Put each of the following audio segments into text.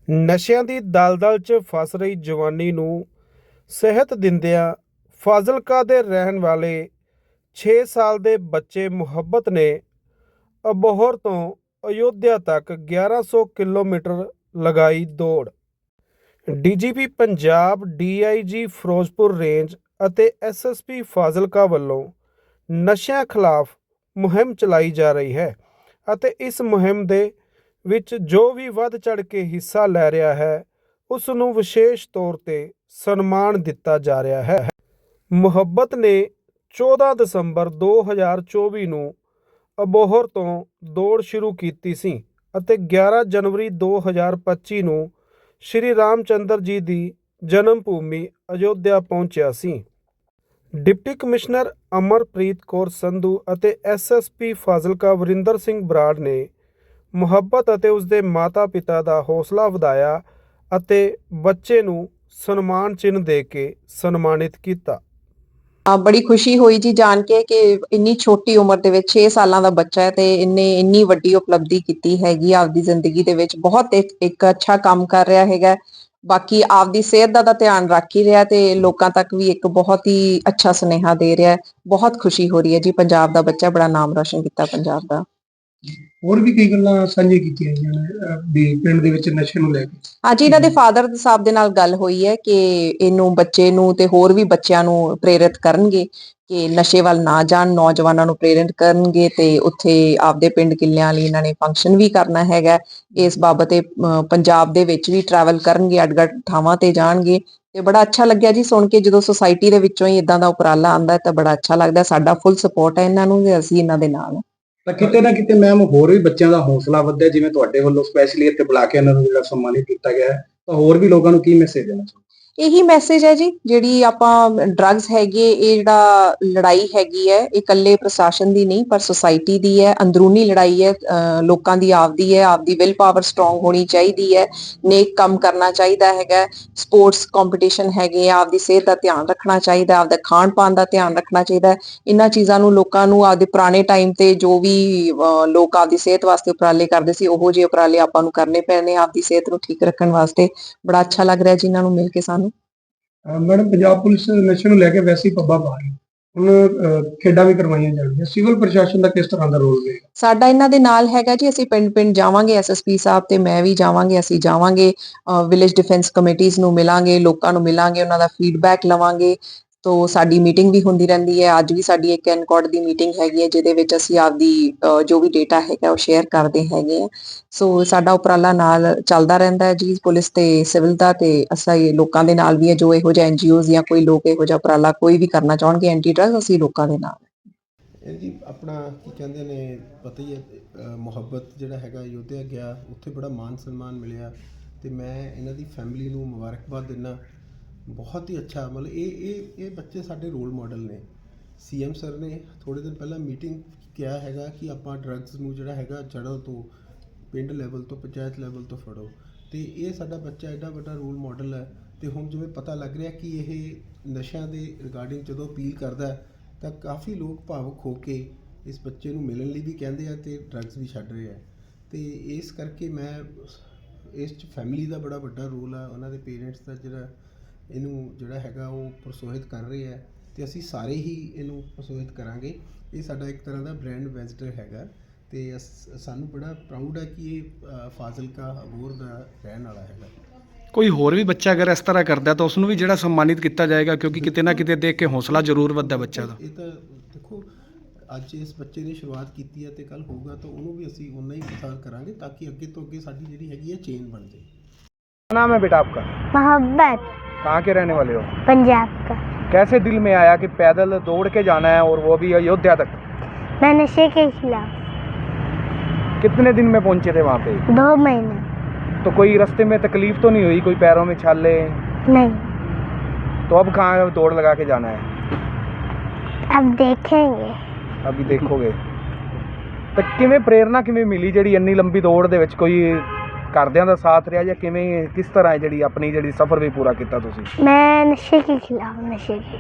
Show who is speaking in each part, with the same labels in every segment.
Speaker 1: ਨਸ਼ਿਆਂ ਦੀ ਦਲਦਲ 'ਚ ਫਸ ਰਹੀ ਜਵਾਨੀ ਨੂੰ ਸਿਹਤ ਦਿੰਦਿਆਂ ਫਾਜ਼ਿਲਕਾ ਦੇ ਰਹਿਣ ਵਾਲੇ 6 ਸਾਲ ਦੇ ਬੱਚੇ ਮੁਹੱਬਤ ਨੇ ਅਬੋਹਰ ਤੋਂ ਅਯੋਧਿਆ ਤੱਕ 1100 ਕਿਲੋਮੀਟਰ ਲਗਾਈ ਦੌੜ। DGP Punjab, DIG Firozpur range ਅਤੇ ਐਸਐਸਪੀ ਫਾਜ਼ਿਲਕਾ ਵੱਲੋਂ ਨਸ਼ਿਆਂ ਖਿਲਾਫ ਮੁਹਿੰਮ ਚਲਾਈ ਜਾ ਰਹੀ ਹੈ ਅਤੇ ਇਸ ਮੁਹਿੰਮ ਦੇ ਵਿੱਚ ਜੋ ਵੀ ਵੱਧ ਚੜ੍ਹ ਕੇ ਹਿੱਸਾ ਲੈ ਰਿਹਾ ਹੈ ਉਸ ਨੂੰ ਵਿਸ਼ੇਸ਼ ਤੌਰ 'ਤੇ ਸਨਮਾਨ ਦਿੱਤਾ ਜਾ ਰਿਹਾ ਹੈ। ਮੁਹੱਬਤ ਨੇ 14 ਦਸੰਬਰ 2024 ਨੂੰ ਅਬੋਹਰ ਤੋਂ ਦੌੜ ਸ਼ੁਰੂ ਕੀਤੀ ਸੀ ਅਤੇ 11 ਜਨਵਰੀ 2025 ਨੂੰ ਸ਼੍ਰੀ ਰਾਮ ਚੰਦਰ ਜੀ ਦੀ ਜਨਮ ਭੂਮੀ ਅਯੋਧਿਆ ਪਹੁੰਚਿਆ ਸੀ। ਡਿਪਟੀ ਕਮਿਸ਼ਨਰ ਅਮਰਪ੍ਰੀਤ ਕੌਰ ਸੰਧੂ ਅਤੇ ਐਸਐਸਪੀ ਫਾਜ਼ਿਲਕਾ ਵਰਿੰਦਰ ਸਿੰਘ ਬਰਾੜ ਨੇ ਮੁਹੱਬਤ ਅਤੇ ਉਸਦੇ ਮਾਤਾ-ਪਿਤਾ ਦਾ ਹੌਸਲਾ ਵਧਾਇਆ ਅਤੇ ਬੱਚੇ ਨੂੰ ਸਨਮਾਨ ਚਿੰਨ੍ਹ ਦੇ ਕੇ ਸਨਮਾਨਿਤ ਕੀਤਾ।
Speaker 2: ਬੜੀ ਖੁਸ਼ੀ ਹੋਈ ਜੀ ਜਾਣ ਕੇ ਕਿ ਇੰਨੀ ਛੋਟੀ ਉਮਰ ਦੇ ਵਿੱਚ 6 ਸਾਲਾਂ ਦਾ ਬੱਚਾ ਹੈ ਤੇ ਇਹਨੇ ਇੰਨੀ ਵੱਡੀ ਉਪਲਬਧੀ ਕੀਤੀ ਹੈਗੀ ਆਪਦੀ ਜ਼ਿੰਦਗੀ ਦੇ ਵਿੱਚ। ਬਹੁਤ ਇੱਕ ਅੱਛਾ ਕੰਮ ਕਰ ਰਿਹਾ ਹੈਗਾ। ਬਾਕੀ ਆਪਦੀ ਸਿਹਤ ਦਾ ਧਿਆਨ ਰੱਖ ਹੀ ਰਿਹਾ ਤੇ ਲੋਕਾਂ ਤੱਕ ਵੀ ਇੱਕ ਬਹੁਤ ਹੀ ਅੱਛਾ ਸੁਨੇਹਾ ਦੇ ਰਿਹਾ। ਬਹੁਤ ਖੁਸ਼ੀ ਹੋ ਰਹੀ ਹੈ ਜੀ। ਪੰਜਾਬ ਦਾ ਬੱਚਾ ਬੜਾ ਨਾਮ ਰੋਸ਼ਨ ਕੀਤਾ ਪੰਜਾਬ ਦਾ।
Speaker 3: ਹੋਰ ਵੀ ਕਈ ਗੱਲਾਂ ਸਾਂਝੀਆਂ ਕੀਤੀਆਂ ਗਈਆਂ ਨੇ ਵੀ ਪਿੰਡ ਦੇ ਵਿੱਚ ਨਸ਼ੇ ਨੂੰ ਲੈ ਕੇ।
Speaker 2: ਅੱਜ ਇਹਨਾਂ ਦੇ ਫਾਦਰ ਸਾਹਿਬ ਦੇ ਨਾਲ ਗੱਲ ਹੋਈ ਹੈ ਕਿ ਇਹਨੂੰ ਬੱਚੇ ਨੂੰ ਤੇ ਹੋਰ ਵੀ ਬੱਚਿਆਂ ਨੂੰ ਪ੍ਰੇਰਿਤ ਕਰਨਗੇ ਕਿ ਨਸ਼ੇ ਵੱਲ ਨਾ ਜਾਣ, ਨੌਜਵਾਨਾਂ ਨੂੰ ਪ੍ਰੇਰਿਤ ਕਰਨਗੇ ਤੇ ਉੱਥੇ ਆਪਦੇ ਪਿੰਡ ਕਿੱਲਿਆਂ ਲਈ ਇਹਨਾਂ ਨੇ ਫੰਕਸ਼ਨ ਵੀ ਕਰਨਾ ਹੈਗਾ। ਇਸ ਬਾਬਤ ਪੰਜਾਬ ਦੇ ਵਿੱਚ ਵੀ ਟਰੈਵਲ ਕਰਨਗੇ, ਅੱਡ-ਅੱਡ ਥਾਵਾਂ ਤੇ ਜਾਣਗੇ ਤੇ ਬੜਾ ਅੱਛਾ ਲੱਗਿਆ ਜੀ ਸੁਣ ਕੇ। ਜਦੋਂ ਸੁਸਾਇਟੀ ਦੇ ਵਿੱਚੋਂ ਹੀ ਇਦਾਂ ਦਾ ਉਪਰਾਲਾ ਆਉਂਦਾ ਤਾਂ ਬੜਾ ਅੱਛਾ ਲੱਗਦਾ। ਸਾਡਾ ਫੁੱਲ ਸਪੋਰਟ ਹੈ ਇਹਨਾਂ ਨੂੰ ਤੇ ਅਸੀਂ ਇਹਨਾਂ ਦੇ ਨਾਲ ਹਾਂ।
Speaker 3: ਤਾਂ ਕਿਤੇ ਨਾ ਕਿਤੇ ਮੈਮ ਹੋਰ ਵੀ ਬੱਚਿਆਂ ਦਾ ਹੌਸਲਾ ਵਧਿਆ, ਜਿਵੇਂ ਤੁਹਾਡੇ ਵੱਲੋਂ ਸਪੈਸ਼ਲੀ ਇੱਥੇ ਬੁਲਾ ਕੇ ਇਹਨਾਂ ਨੂੰ ਜਿਹੜਾ ਸਨਮਾਨਿਤ ਕੀਤਾ ਗਿਆ ਹੈ, ਤਾਂ ਹੋਰ ਵੀ ਲੋਕਾਂ ਨੂੰ ਕੀ ਮੈਸੇਜ ਦੇਣਾ ਚਾਹੁੰਦੇ?
Speaker 2: ਇਹੀ ਮੈਸੇਜ ਹੈ ਜੀ, ਜਿਹੜੀ ਆਪਾਂ ਡਰੱਗਸ ਹੈਗੀ ਇਹ ਜਿਹੜਾ ਲੜਾਈ ਹੈਗੀ ਹੈ ਇਹ ਇਕੱਲੇ ਪ੍ਰਸ਼ਾਸਨ ਦੀ ਨਹੀਂ ਪਰ ਸੁਸਾਇਟੀ ਦੀ ਹੈ। ਅੰਦਰੂਨੀ ਲੜਾਈ ਹੈ, ਲੋਕਾਂ ਦੀ ਆਪਦੀ ਹੈ। ਆਪਦੀ ਵਿਲ ਪਾਵਰ ਸਟਰੋਂਗ ਹੋਣੀ ਚਾਹੀਦੀ ਹੈ, ਨੇਕ ਕੰਮ ਕਰਨਾ ਚਾਹੀਦਾ ਹੈਗਾ। ਸਪੋਰਟਸ ਕੰਪੀਟੀਸ਼ਨ ਹੈਗੇ, ਆਪਦੀ ਸਿਹਤ ਦਾ ਧਿਆਨ ਰੱਖਣਾ ਚਾਹੀਦਾ, ਆਪਦਾ ਖਾਣ ਪਾਣ ਦਾ ਧਿਆਨ ਰੱਖਣਾ ਚਾਹੀਦਾ। ਇਹਨਾਂ ਚੀਜ਼ਾਂ ਨੂੰ ਲੋਕਾਂ ਨੂੰ ਆਪਦੇ ਪੁਰਾਣੇ ਟਾਈਮ ਤੇ ਜੋ ਵੀ ਲੋਕ ਆਪਦੀ ਸਿਹਤ ਵਾਸਤੇ ਉਪਰਾਲੇ ਕਰਦੇ ਸੀ ਉਹੋ ਜਿਹੇ ਉਪਰਾਲੇ ਆਪਾਂ ਨੂੰ ਕਰਨੇ ਪੈਣੇ ਆਪਦੀ ਸਿਹਤ ਨੂੰ ਠੀਕ ਰੱਖਣ ਵਾਸਤੇ। ਬੜਾ ਅੱਛਾ ਲੱਗ ਰਿਹਾ ਜੀ ਇਹਨਾਂ ਨੂੰ ਮਿਲ ਕੇ ਸਾਨੂੰ।
Speaker 3: ਮੈਡਮ, ਪੰਜਾਬ ਪੁਲਿਸ ਨਸ਼ੇ ਨੂੰ ਲੈ ਕੇ ਵੈਸੇ ਹੀ ਪੱਬਾਂ ਪਾ ਰਹੀ ਹੈ, ਹੁਣ ਖੇਡਾਂ ਵੀ ਕਰਵਾਈਆਂ ਜਾਣਗੀਆਂ, ਸਿਵਲ ਪ੍ਰਸ਼ਾਸਨ ਦਾ ਕਿਸ ਤਰ੍ਹਾਂ ਦਾ ਰੋਲ ਰਹੇਗਾ?
Speaker 2: ਸਾਡਾ ਇਹਨਾਂ ਦੇ ਨਾਲ ਹੈਗਾ ਜੀ। ਅਸੀਂ ਪਿੰਡ ਜਾਵਾਂਗੇ, ਐਸਐਸਪੀ ਸਾਹਿਬ ਤੇ ਮੈਂ ਵੀ ਜਾਵਾਂਗੇ। ਅਸੀਂ ਜਾਵਾਂਗੇ, ਵਿਲੇਜ ਡਿਫੈਂਸ ਕਮੇਟੀਜ਼ ਨੂੰ ਮਿਲਾਂਗੇ, ਲੋਕਾਂ ਨੂੰ ਮਿਲਾਂਗੇ, ਉਹਨਾਂ ਦਾ ਫੀਡਬੈਕ ਲਵਾਂਗੇ। ਤੋ ਸਾਡੀ ਮੀਟਿੰਗ ਵੀ ਹੁੰਦੀ ਰਹਿੰਦੀ ਹੈ। ਅੱਜ ਵੀ ਸਾਡੀ ਇੱਕ ਐਨਕੋਡ ਦੀ ਮੀਟਿੰਗ ਹੈਗੀ ਹੈ ਜਿਹਦੇ ਵਿੱਚ ਅਸੀਂ ਆਪਦੀ ਜੋ ਵੀ ਡੇਟਾ ਹੈਗਾ ਉਹ ਸ਼ੇਅਰ ਕਰਦੇ ਹੈਗੇ ਆ। ਸੋ ਸਾਡਾ ਉਪਰਾਲਾ ਨਾਲ ਚੱਲਦਾ ਰਹਿੰਦਾ ਹੈ ਜੀ, ਪੁਲਿਸ ਤੇ ਸਿਵਲ ਦਾ। ਤੇ ਅਸੀਂ ਲੋਕਾਂ ਦੇ ਨਾਲ ਵੀ ਹੈ, ਜੋ ਇਹੋ ਜਿਹਾ ਐਨਜੀਓਜ਼ ਜਾਂ ਕੋਈ ਲੋਕ ਇਹੋ ਜਿਹਾ ਉਪਰਾਲਾ ਕੋਈ ਵੀ ਕਰਨਾ ਚਾਹਣਗੇ ਐਂਟੀ ਡਰੱਗ, ਅਸੀਂ ਲੋਕਾਂ ਦੇ ਨਾਲ।
Speaker 4: ਇਹ ਜੀ ਆਪਣਾ ਕੀ ਕਹਿੰਦੇ ਨੇ ਪਤਾ ਹੀ ਹੈ, ਮੁਹੱਬਤ ਜਿਹੜਾ ਹੈਗਾ ਅਯੋਧਿਆ ਗਿਆ, ਉੱਥੇ ਬੜਾ ਮਾਨ ਸਨਮਾਨ ਮਿਲਿਆ ਅਤੇ ਮੈਂ ਇਹਨਾਂ ਦੀ ਫੈਮਿਲੀ ਨੂੰ ਮੁਬਾਰਕਬਾਦ ਦਿੰਦਾ। ਬਹੁਤ ਹੀ ਅੱਛਾ, ਮਤਲਬ ਇਹ ਬੱਚੇ ਸਾਡੇ ਰੋਲ ਮਾਡਲ ਨੇ। ਸੀਐਮ ਸਰ ਨੇ ਥੋੜ੍ਹੇ ਦਿਨ ਪਹਿਲਾਂ ਮੀਟਿੰਗ ਕਿਹਾ ਹੈਗਾ ਕਿ ਆਪਾਂ ਡਰੱਗਸ ਨੂੰ ਜਿਹੜਾ ਹੈਗਾ ਜੜ੍ਹਾਂ ਤੋਂ, ਪਿੰਡ ਲੈਵਲ ਤੋਂ, ਪੰਚਾਇਤ ਲੈਵਲ ਤੋਂ ਫੜੋ। ਅਤੇ ਇਹ ਸਾਡਾ ਬੱਚਾ ਐਡਾ ਵੱਡਾ ਰੋਲ ਮਾਡਲ ਹੈ। ਅਤੇ ਹੁਣ ਜਿਵੇਂ ਪਤਾ ਲੱਗ ਰਿਹਾ ਕਿ ਇਹ ਨਸ਼ਿਆਂ ਦੇ ਰਿਗਾਰਡਿੰਗ ਜਦੋਂ ਅਪੀਲ ਕਰਦਾ ਤਾਂ ਕਾਫੀ ਲੋਕ ਭਾਵੁਕ ਹੋ ਕੇ ਇਸ ਬੱਚੇ ਨੂੰ ਮਿਲਣ ਲਈ ਵੀ ਕਹਿੰਦੇ ਆ ਅਤੇ ਡਰੱਗਸ ਵੀ ਛੱਡ ਰਹੇ ਆ। ਅਤੇ ਇਸ ਕਰਕੇ ਮੈਂ ਇਸ 'ਚ ਫੈਮਿਲੀ ਦਾ ਬੜਾ ਵੱਡਾ ਰੋਲ ਆ, ਉਹਨਾਂ ਦੇ ਪੇਰੈਂਟਸ ਦਾ ਜਿਹੜਾ ਇਹਨੂੰ ਜਿਹੜਾ ਹੈਗਾ ਉਹ ਪ੍ਰੋਤਸਾਹਿਤ ਕਰ ਰਹੇ ਹੈ ਅਤੇ ਅਸੀਂ ਸਾਰੇ ਹੀ ਇਹਨੂੰ ਪ੍ਰੋਤਸਾਹਿਤ ਕਰਾਂਗੇ। ਇਹ ਸਾਡਾ ਇੱਕ ਤਰ੍ਹਾਂ ਦਾ ਬ੍ਰਾਂਡ ਐਂਬੈਸਡਰ ਹੈਗਾ ਅਤੇ ਸਾਨੂੰ ਬੜਾ ਪ੍ਰਾਊਡ ਹੈ ਕਿ ਇਹ ਫਾਜ਼ਿਲਕਾ ਅਬੋਹਰ ਦਾ ਰਹਿਣ ਵਾਲਾ ਹੈਗਾ।
Speaker 5: ਕੋਈ ਹੋਰ ਵੀ ਬੱਚਾ ਅਗਰ ਇਸ ਤਰ੍ਹਾਂ ਕਰਦਾ ਤਾਂ ਉਸ ਨੂੰ ਵੀ ਜਿਹੜਾ ਸਨਮਾਨਿਤ ਕੀਤਾ ਜਾਏਗਾ, ਕਿਉਂਕਿ ਕਿਤੇ ਨਾ ਕਿਤੇ ਦੇਖ ਕੇ ਹੌਸਲਾ ਜ਼ਰੂਰ ਵੱਧਦਾ ਬੱਚਾ ਦਾ।
Speaker 4: ਇਹ ਤਾਂ ਦੇਖੋ, ਅੱਜ ਇਸ ਬੱਚੇ ਨੇ ਸ਼ੁਰੂਆਤ ਕੀਤੀ ਹੈ ਅਤੇ ਕੱਲ੍ਹ ਹੋਊਗਾ ਤਾਂ ਉਹਨੂੰ ਵੀ ਅਸੀਂ ਉਨਾ ਹੀ ਪ੍ਰਸਾਰ ਕਰਾਂਗੇ ਤਾਂ ਕਿ ਅੱਗੇ ਤੋਂ ਅੱਗੇ ਸਾਡੀ ਜਿਹੜੀ ਹੈਗੀ ਹੈ ਚੇਨ ਬਣ ਜਾਏ।
Speaker 1: क्या नाम है बेटा आपका?
Speaker 6: मोहब्बत।
Speaker 1: कहाँ के रहने वाले हो?
Speaker 6: पंजाब का।
Speaker 1: कैसे दिल में आया कि पैदल दौड़ के जाना है और वो भी अयोध्या तक?
Speaker 6: मैं नशे के खिलाफ।
Speaker 1: कितने दिन में पहुंचे थे वहाँ पे?
Speaker 6: 2 महीने।
Speaker 1: तो कोई रास्ते में तकलीफ तो नहीं हुई, कोई पैरों में छाले?
Speaker 6: नहीं।
Speaker 1: तो अब कहाँ दौड़ लगा के जाना है?
Speaker 6: अब देखेंगे।
Speaker 1: अभी देखोगे। तो किवें प्रेरणा किवें मिली ਜਿਹੜੀ ਇੰਨੀ ਲੰਬੀ ਦੌੜ ਦੇ ਵਿੱਚ? ਕੋਈ ਘਰਦਿਆਂ ਦਾ ਸਾਥ ਰਿਹਾ ਜਾਂ ਕਿਵੇਂ, ਕਿਸ ਤਰ੍ਹਾਂ ਜਿਹੜੀ ਆਪਣੀ ਜਿਹੜੀ ਸਫ਼ਰ ਵੀ ਪੂਰਾ ਕੀਤਾ ਤੁਸੀਂ?
Speaker 6: मैं नशे के खिलाफ। नशे के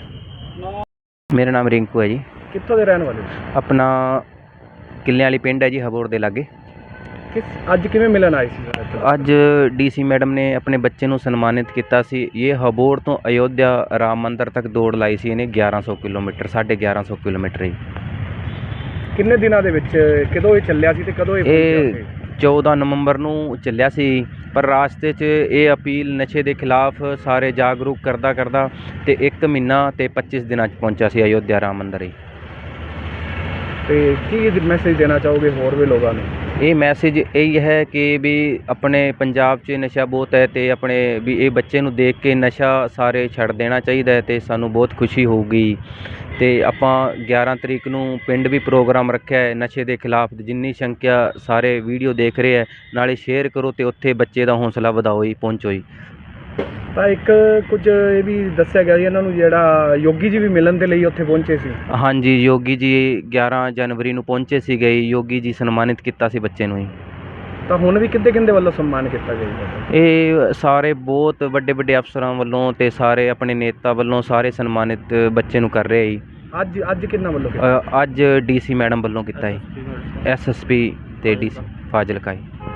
Speaker 6: खिलाफ।
Speaker 7: ਮੇਰਾ ਨਾਮ ਰਿੰਕੂ ਹੈ ਜੀ।
Speaker 1: ਕਿੱਥੋਂ ਦੇ ਰਹਿਣ ਵਾਲੇ ਹੋ?
Speaker 7: ਆਪਣਾ ਕਿੱਲਿਆਂ ਵਾਲੀ ਪਿੰਡ ਹੈ ਜੀ, ਹਬੋਰ ਦੇ ਲਾਗੇ।
Speaker 1: ਅੱਜ ਕਿਵੇਂ ਮਿਲਣ ਆਏ ਸੀ ਸਰ ਇੱਥੇ?
Speaker 7: ਅੱਜ ਡੀਸੀ ਮੈਡਮ ਨੇ ਆਪਣੇ ਬੱਚੇ ਨੂੰ ਸਨਮਾਨਿਤ ਕੀਤਾ ਸੀ। ਇਹ ਹਬੋਰ ਤੋਂ ਅਯੋਧਿਆ ਰਾਮ ਮੰਦਰ ਤੱਕ ਦੌੜ ਲਾਈ ਸੀ ਇਹਨੇ 1100 ਕਿਲੋਮੀਟਰ 1150 ਕਿਲੋਮੀਟਰ ਹੀ।
Speaker 1: ਕਿੰਨੇ ਦਿਨਾਂ ਦੇ ਵਿੱਚ ਕਦੋਂ ਇਹ ਚੱਲਿਆ ਸੀ ਤੇ ਕਦੋਂ ਇਹ ਪਹੁੰਚਿਆ
Speaker 7: ਇਹ
Speaker 1: ਉੱਥੇ?
Speaker 7: 14 ਨਵੰਬਰ ਨੂੰ ਚੱਲਿਆ ਸੀ, ਪਰ ਰਾਸਤੇ 'ਚ ਇਹ ਅਪੀਲ ਨਸ਼ੇ ਦੇ ਖਿਲਾਫ ਸਾਰੇ ਜਾਗਰੂਕ ਕਰਦਾ ਤੇ 1 ਮਹੀਨਾ ਤੇ 25 ਦਿਨਾਂ 'ਚ ਪਹੁੰਚਿਆ ਸੀ ਅਯੋਧਿਆ ਰਾਮ ਮੰਦਰ ਹੀ।
Speaker 1: ਤੇ ਕੀ ਮੈਸੇਜ ਦੇਣਾ ਚਾਹੋਗੇ ਹੋਰ ਵੀ ਲੋਕਾਂ ਨੂੰ?
Speaker 7: ਇਹ ਮੈਸੇਜ ਇਹੀ ਹੈ ਕਿ ਵੀ ਆਪਣੇ ਪੰਜਾਬ 'ਚ ਨਸ਼ਾ ਬਹੁਤ ਹੈ ਤੇ ਆਪਣੇ ਵੀ ਇਹ ਬੱਚੇ ਨੂੰ ਦੇਖ ਕੇ ਨਸ਼ਾ ਸਾਰੇ ਛੱਡ ਦੇਣਾ ਚਾਹੀਦਾ ਹੈ ਤੇ ਸਾਨੂੰ ਬਹੁਤ ਖੁਸ਼ੀ ਹੋਊਗੀ। ਤੇ ਆਪਾਂ 11 ਤਰੀਕ ਨੂੰ ਪਿੰਡ ਵੀ ਪ੍ਰੋਗਰਾਮ ਰੱਖਿਆ ਹੈ ਨਸ਼ੇ ਦੇ ਖਿਲਾਫ। ਜਿੰਨੀ ਸੰਖਿਆ ਸਾਰੇ ਵੀਡੀਓ ਦੇਖ ਰਹੇ ਹੈ ਨਾਲੇ ਸ਼ੇਅਰ ਕਰੋ ਤੇ ਉੱਥੇ ਬੱਚੇ ਦਾ ਹੌਸਲਾ ਵਧਾਓ ਜੀ, ਪਹੁੰਚੋ ਜੀ।
Speaker 1: ਤਾਂ ਇੱਕ ਕੁਝ ਇਹ ਵੀ ਦੱਸਿਆ ਗਿਆ ਜੀ ਇਹਨਾਂ ਨੂੰ ਜਿਹੜਾ ਯੋਗੀ ਜੀ ਵੀ ਮਿਲਣ ਦੇ ਲਈ ਉੱਥੇ ਪਹੁੰਚੇ ਸੀ।
Speaker 7: ਹਾਂਜੀ, ਯੋਗੀ ਜੀ 11 ਜਨਵਰੀ ਨੂੰ ਪਹੁੰਚੇ ਸੀਗੇ। ਯੋਗੀ ਜੀ ਸਨਮਾਨਿਤ ਕੀਤਾ ਸੀ ਬੱਚੇ ਨੂੰ ਜੀ।
Speaker 1: ਤਾਂ ਹੁਣ ਵੀ ਕਿੰਦੇ ਵੱਲੋਂ ਸਨਮਾਨ ਕੀਤਾ ਗਿਆ ਜੀ?
Speaker 7: ਇਹ ਸਾਰੇ ਬਹੁਤ ਵੱਡੇ ਅਫਸਰਾਂ ਵੱਲੋਂ ਤੇ ਸਾਰੇ ਆਪਣੇ ਨੇਤਾ ਵੱਲੋਂ ਸਾਰੇ ਸਨਮਾਨਿਤ ਬੱਚੇ ਨੂੰ ਕਰ ਰਹੇ ਜੀ।
Speaker 1: ਅੱਜ ਕਿੰਨਾ ਵੱਲੋਂ ਕੀਤਾ?
Speaker 7: ਅੱਜ ਡੀਸੀ ਮੈਡਮ ਵੱਲੋਂ ਕੀਤਾ ਜੀ, ਐਸਐਸਪੀ ਤੇ ਡੀਸੀ ਫਾਜ਼ਿਲਕਾ ਜੀ।